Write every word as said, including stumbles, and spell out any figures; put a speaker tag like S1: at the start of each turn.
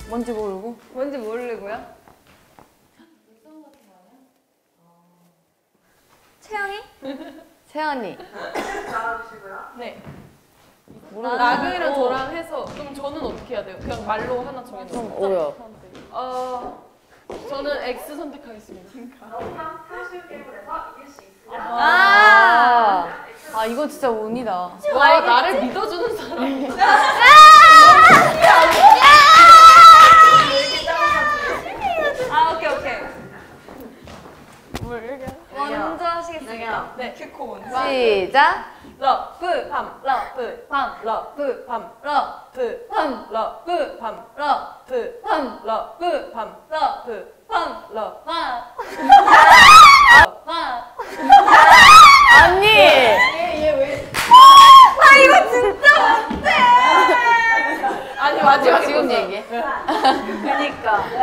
S1: 뭔지 모르고.
S2: 뭔지 모르고요. 채영이?
S1: 채연이.
S3: 나와주시고요.
S4: 네.
S1: 모르겠어.
S4: 나그이랑 저랑 해서 그럼 저는 어떻게 해야 돼요? 그냥 말로 하나
S1: 좀
S4: 정해놓으세요.
S1: 어려워.
S4: 어, 저는 X 선택하겠습니다.
S3: 너무나 쉬운 게임을 해서 이길 수 있습니다.
S1: 아, 아 이거 진짜 운이다.
S4: 와, 나를 믿어주는 사람.
S2: 아, 오케이, 오케이.
S3: 먼저
S2: 하시겠습니다.
S4: 네.
S1: 시작.
S4: 러브 밤 러브 밤 러브 밤 러브 밤 러브 밤 러브 밤 러브 밤 러브 밤 러브
S1: 언니.
S4: 얘얘왜
S2: 아, 이거 진짜 못해!
S4: 아니 마지막에
S1: 지금
S4: 보자.
S1: 얘기해.
S2: 그니까.